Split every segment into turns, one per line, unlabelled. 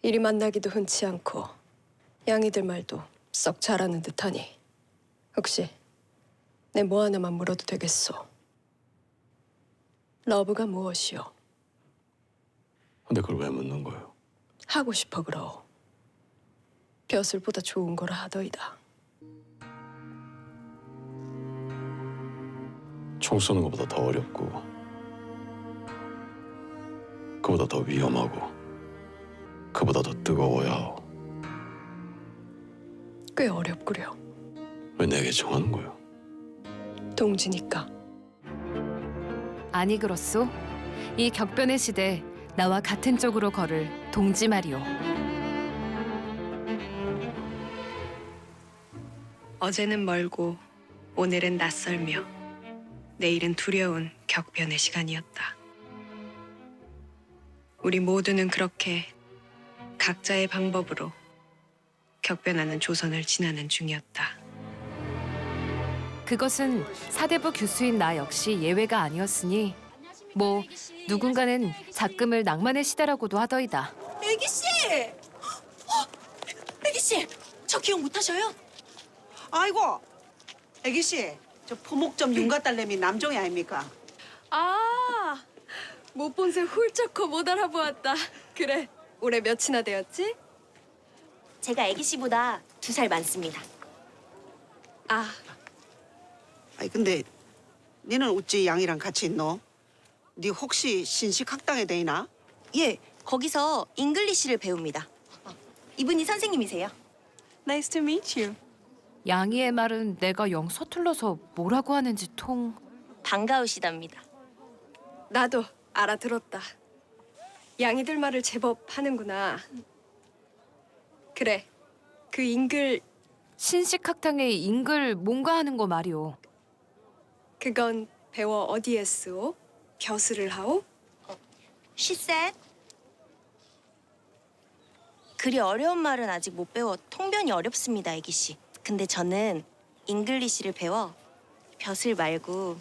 이리 만나기도 흔치 않고 양이들 말도 썩 잘하는 듯하니 혹시 내 뭐 하나만 물어도 되겠소? 러브가 무엇이오?
근데 그걸 왜 묻는 거예요?
하고 싶어 그러오. 벼슬보다 좋은 거라 하더이다.
총 쏘는 것보다 더 어렵고 그보다 더 위험하고 그보다 더 뜨거워야 하오.
꽤 어렵구려.
왜 내게 정하는 거예요?
동지니까.
아니 그렇소? 이 격변의 시대 나와 같은 쪽으로 걸을 동지 말이오.
어제는 멀고 오늘은 낯설며 내일은 두려운 격변의 시간이었다. 우리 모두는 그렇게 각자의 방법으로 격변하는 조선을 지나는 중이었다.
그것은 사대부 교수인 나 역시 예외가 아니었으니 뭐 누군가는 작금을 낭만의 시대라고도 하더이다.
애기 씨! 애기 씨! 저 기억 못 하셔요?
아이고, 애기 씨, 저 포목점 윤가딸내미 남종이 아닙니까?
아, 못 본 새 훌쩍 커 못 알아보았다. 그래, 올해 몇이나 되었지?
제가 애기 씨보다 2살 많습니다.
아,
아니 근데 니는 어찌 양이랑 같이 있노? 니 혹시 신식학당에 대이나?
예, 거기서 잉글리시를 배웁니다. 이분이 선생님이세요.
nice to meet you.
양이의 말은 내가 영 서툴러서 뭐라고 하는지 통...
반가우시답니다.
나도 알아들었다. 양이들 말을 제법 하는구나. 그래, 그 잉글
신식학당의 잉글 뭔가 하는 거 말이오.
그건 배워 어디에 쓰오? 벼슬을 하오?
She said. 그리 어려운 말은 아직 못 배워 통변이 어렵습니다, 애기 씨. 근데 저는 잉글리시를 배워 벼슬 말고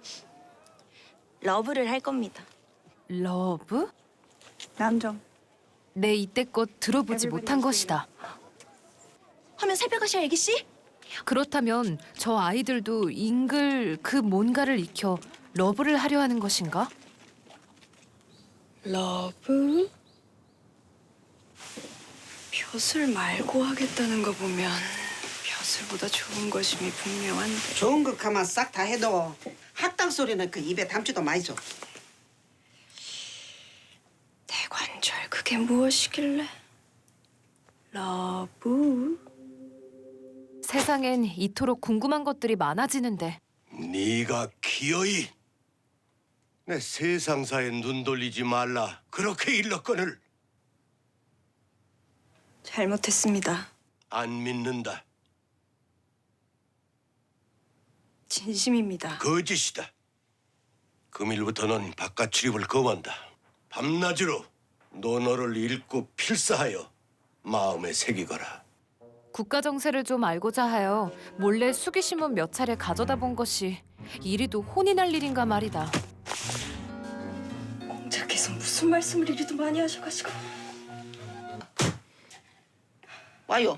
러브를 할 겁니다.
러브?
남종.
내 이때껏 들어보지 못한 것이다.
하면 살펴가셔, 애기 씨.
그렇다면 저 아이들도 잉글 그 뭔가를 익혀 러브를 하려 하는 것인가?
러브? 벼슬 말고 하겠다는 거 보면 벼슬보다 좋은 것임이 분명한데.
좋은 것 가만 싹 다 해도 학당 소리는 그 입에 담지도 마이죠.
대관절 그게 무엇이길래? 러브?
세상엔 이토록 궁금한 것들이 많아지는데
네가 기어이 내 세상사에 눈 돌리지 말라. 그렇게 일렀거늘.
잘못했습니다.
안 믿는다.
진심입니다.
거짓이다. 금일부터 넌 바깥 출입을 거부한다. 밤낮으로 논어를 읽고 필사하여 마음에 새기거라.
국가 정세를 좀 알고자 하여 몰래 수기신문 몇 차례 가져다 본 것이 이리도 혼이 날 일인가 말이다.
공자께서 무슨 말씀을 이리도 많이 하셔가지고.
와요.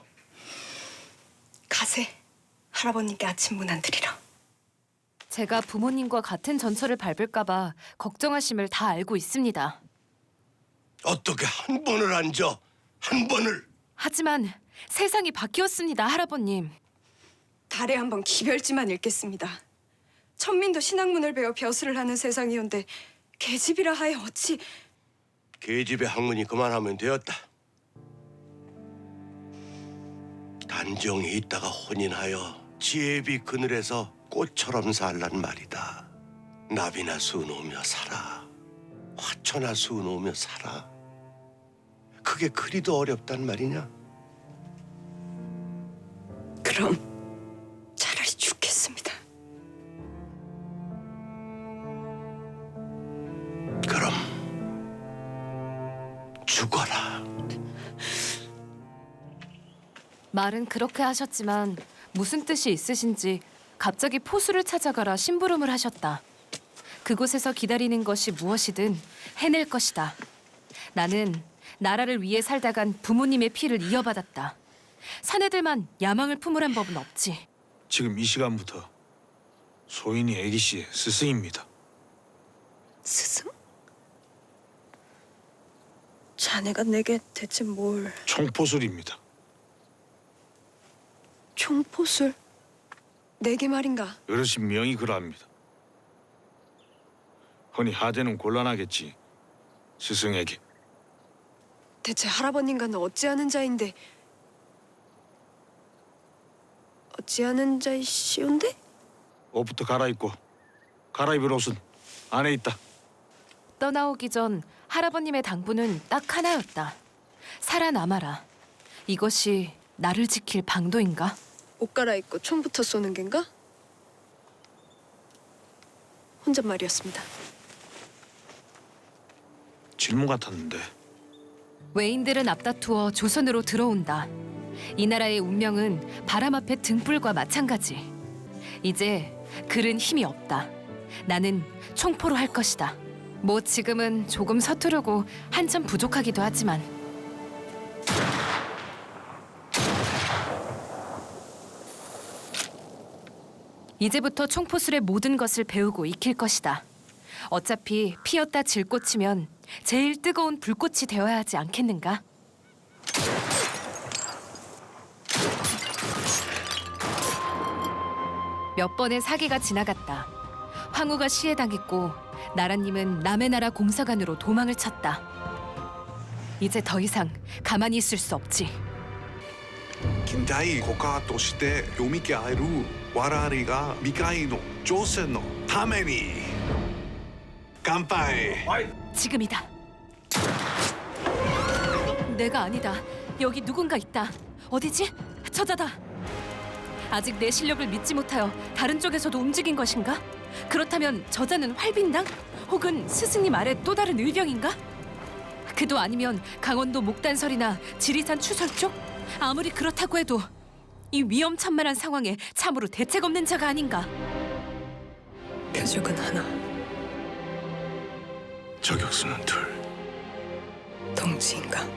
가세. 할아버님께 아침 문안 드리라.
제가 부모님과 같은 전철을 밟을까 봐 걱정하심을 다 알고 있습니다.
어떻게 한 번을 앉아? 한 번을?
하지만 세상이 바뀌었습니다, 할아버님.
달에 한 번 기별지만 읽겠습니다. 천민도 신학문을 배워 벼슬을 하는 세상이온데 계집이라 하여 어찌.
계집의 학문이 그만하면 되었다. 단정히 있다가 혼인하여 지혜비 그늘에서 꽃처럼 살란 말이다. 나비나 수놓으며 살아. 화초나 수놓으며 살아. 그게 그리도 어렵단 말이냐?
그럼 차라리 죽겠습니다.
그럼 죽어라.
말은 그렇게 하셨지만 무슨 뜻이 있으신지 갑자기 포수를 찾아가라 심부름을 하셨다. 그곳에서 기다리는 것이 무엇이든 해낼 것이다. 나는 나라를 위해 살다간 부모님의 피를 이어받았다. 사내들만 야망을 품으란 법은 없지.
지금 이 시간부터 소인이 애기 씨의 스승입니다.
스승? 자네가 내게 대체 뭘...
총포술입니다.
총포술? 내게 말인가?
어르신 명이 그러합니다. 허니 하대는 곤란하겠지. 스승에게.
대체 할아버님과는 어찌하는 자인데... 어찌하는 자이시온데?
옷부터 갈아입고 갈아입을 옷은 안에 있다.
떠나오기 전 할아버님의 당부는 딱 하나였다. 살아남아라. 이것이 나를 지킬 방도인가?
옷 갈아입고 총부터 쏘는 겐가? 혼잣말이었습니다.
질문 같았는데
외인들은 앞다투어 조선으로 들어온다. 이 나라의 운명은 바람 앞에 등불과 마찬가지. 이제 글은 힘이 없다. 나는 총포로 할 것이다. 뭐 지금은 조금 서투르고 한참 부족하기도 하지만 이제부터 총포술의 모든 것을 배우고 익힐 것이다. 어차피 피었다 질 꽃이면 제일 뜨거운 불꽃이 되어야 하지 않겠는가? 몇 번의 사기가 지나갔다. 황후가 시해당했고 나라님은 남의 나라 공사관으로 도망을 쳤다. 이제 더 이상 가만히 있을 수 없지.
近代国家として読み合える我々が未来の挑戦のために乾杯
지금이다. 내가 아니다. 여기 누군가 있다. 어디지? 저자다. 아직 내 실력을 믿지 못하여 다른 쪽에서도 움직인 것인가? 그렇다면 저자는 활빈당? 혹은 스승님 아래 또 다른 의병인가? 그도 아니면 강원도 목단설이나 지리산 추설 쪽? 아무리 그렇다고 해도 이 위험천만한 상황에 참으로 대책 없는 자가 아닌가?
표적은 하나,
저격수는 둘.
동지인가?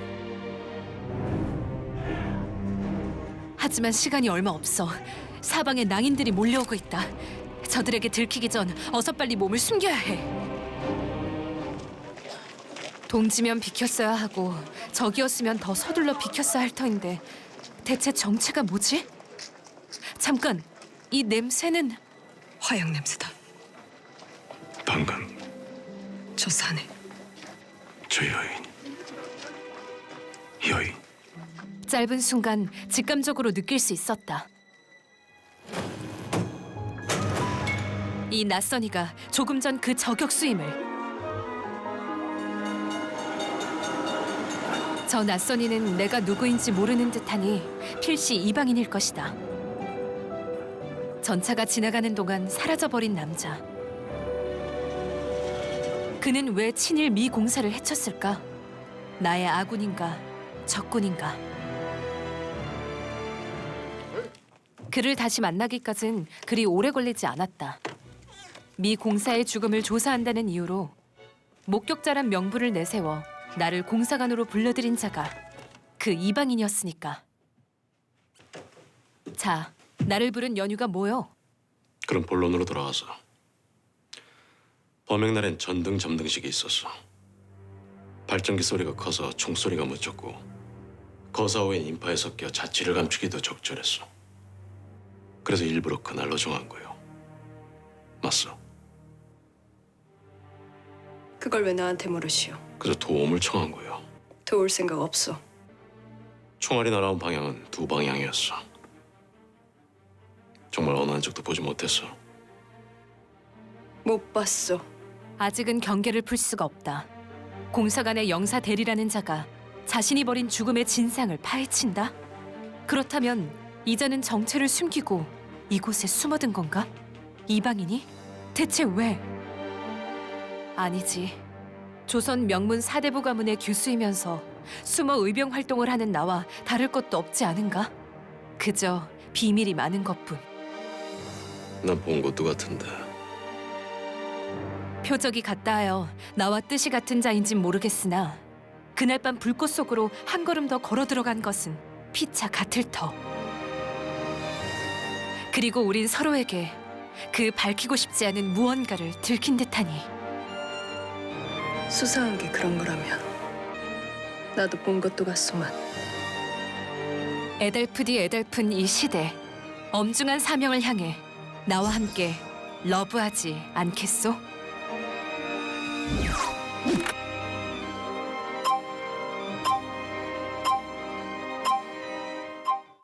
하지만 시간이 얼마 없어. 사방에 낭인들이 몰려오고 있다. 저들에게 들키기 전 어서 빨리 몸을 숨겨야 해. 동지면 비켰어야 하고 적이었으면 더 서둘러 비켰어야 할 터인데 대체 정체가 뭐지? 잠깐, 이 냄새는
화약 냄새다.
방금
저 산에
저 여인
짧은 순간 직감적으로 느낄 수 있었다. 이 낯선이가 조금 전 그 저격수임을. 저 낯선이는 내가 누구인지 모르는 듯하니 필시 이방인일 것이다. 전차가 지나가는 동안 사라져버린 남자. 그는 왜 친일 미 공사를 해쳤을까? 나의 아군인가 적군인가? 그를 다시 만나기까진 그리 오래 걸리지 않았다. 미 공사의 죽음을 조사한다는 이유로 목격자란 명부를 내세워 나를 공사관으로 불러들인 자가 그 이방인이었으니까. 자, 나를 부른 연유가 뭐요?
그럼 본론으로 돌아와서 범행날엔 전등 점등식이 있었어. 발전기 소리가 커서 총소리가 묻혔고 거사오엔 인파에 섞여 자취를 감추기도 적절했어. 그래서 일부러 그날로 정한 거요. 맞소?
그걸 왜 나한테 물으시오?
그래서 도움을 청한 거요.
도울 생각 없어.
총알이 날아온 방향은 두 방향이었어. 정말 어느 한쪽도 보지 못했어.
못 봤어.
아직은 경계를 풀 수가 없다. 공사관의 영사 대리라는 자가 자신이 벌인 죽음의 진상을 파헤친다? 그렇다면 이자는 정체를 숨기고 이곳에 숨어든 건가? 이방인이? 대체 왜? 아니지. 조선 명문 사대부 가문의 교수이면서 숨어 의병 활동을 하는 나와 다를 것도 없지 않은가? 그저 비밀이 많은 것뿐.
난 본 것도 같은데.
표적이 같다 하여 나와 뜻이 같은 자인진 모르겠으나 그날 밤 불꽃 속으로 한 걸음 더 걸어 들어간 것은 피차 같을 터. 그리고 우린 서로에게 그 밝히고 싶지 않은 무언가를 들킨 듯하니
수상한 게 그런 거라면 나도 본 것도 같소만.
애달프디 애달픈 이 시대, 엄중한 사명을 향해 나와 함께 러브하지 않겠소?